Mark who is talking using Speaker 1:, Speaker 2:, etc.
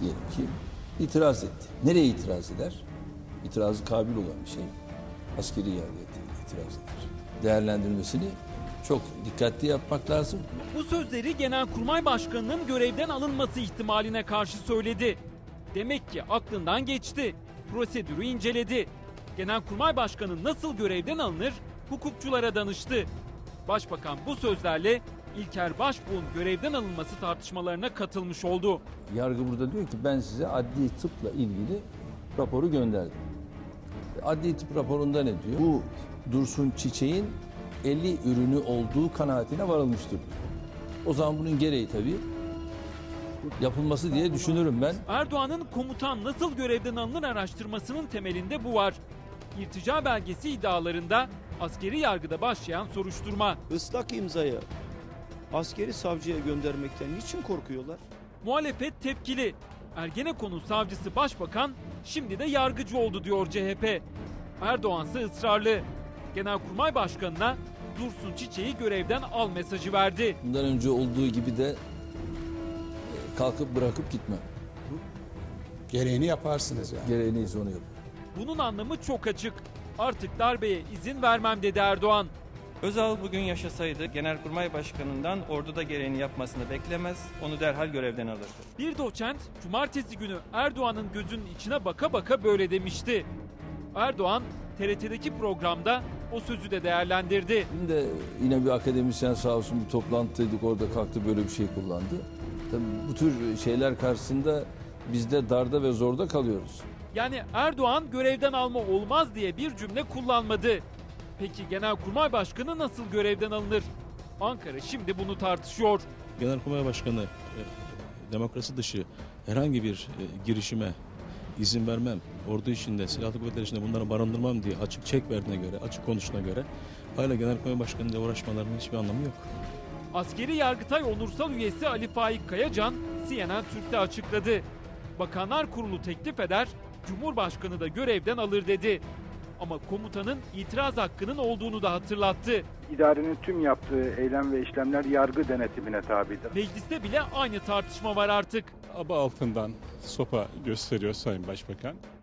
Speaker 1: diyelim ki itiraz etti. Nereye itiraz eder? İtirazı kabil olan bir şey. Askeri yargıya itiraz eder. Değerlendirmesini çok dikkatli yapmak lazım.
Speaker 2: Bu sözleri Genelkurmay Başkanı'nın görevden alınması ihtimaline karşı söyledi. Demek ki aklından geçti. Prosedürü inceledi. Genelkurmay Başkanı nasıl görevden alınır? Hukukçulara danıştı. Başbakan bu sözlerle İlker Başbuğ'un görevden alınması tartışmalarına katılmış oldu.
Speaker 1: Yargı burada diyor ki ben size adli tıpla ilgili raporu gönderdim. Adli tıp raporunda ne diyor? Bu Dursun Çiçek'in 50 ürünü olduğu kanaatine varılmıştır. O zaman bunun gereği tabii yapılması diye düşünürüm ben.
Speaker 2: Erdoğan'ın komutan nasıl görevden alınır araştırmasının temelinde bu var. İrtica belgesi iddialarında askeri yargıda başlayan soruşturma.
Speaker 3: Islak imzayı askeri savcıya göndermekten niçin korkuyorlar?
Speaker 2: Muhalefet tepkili. Ergenekon'un savcısı başbakan şimdi de yargıcı oldu diyor CHP. Erdoğan'sa ısrarlı. Genelkurmay Başkanı'na Dursun Çiçek'i görevden al mesajı verdi.
Speaker 1: Bundan önce olduğu gibi de kalkıp bırakıp gitmem.
Speaker 4: Gereğini yaparsınız yani.
Speaker 1: Gereği neyse onu yaparım.
Speaker 2: Bunun anlamı çok açık. Artık darbeye izin vermem dedi Erdoğan.
Speaker 5: Özal bugün yaşasaydı Genelkurmay Başkanı'ndan orduda gereğini yapmasını beklemez, onu derhal görevden alırdı.
Speaker 2: Bir doçent cumartesi günü Erdoğan'ın gözünün içine baka baka böyle demişti. Erdoğan TRT'deki programda o sözü de değerlendirdi.
Speaker 1: Dün de yine bir akademisyen sağ olsun bir toplantıdaydık, orada kalktı böyle bir şey kullandı. Tabii bu tür şeyler karşısında biz de darda ve zorda kalıyoruz.
Speaker 2: Yani Erdoğan görevden alma olmaz diye bir cümle kullanmadı. Peki Genelkurmay Başkanı nasıl görevden alınır? Ankara şimdi bunu tartışıyor.
Speaker 6: Genelkurmay Başkanı demokrasi dışı herhangi bir girişime izin vermem, ordu içinde, silahlı kuvvetler içinde bunları barındırmam diye açık çek verdiğine göre, açık konuştuğuna göre hala Genelkurmay Başkanı'yla uğraşmalarının hiçbir anlamı yok.
Speaker 2: Askeri Yargıtay Onursal Üyesi Ali Faik Kayacan CNN Türk'te açıkladı. Bakanlar Kurulu teklif eder, Cumhurbaşkanı da görevden alır dedi. Ama komutanın itiraz hakkının olduğunu da hatırlattı.
Speaker 7: İdarenin tüm yaptığı eylem ve işlemler yargı denetimine tabidir.
Speaker 2: Mecliste bile aynı tartışma var artık.
Speaker 8: Aba altından sopa gösteriyor Sayın Başbakan.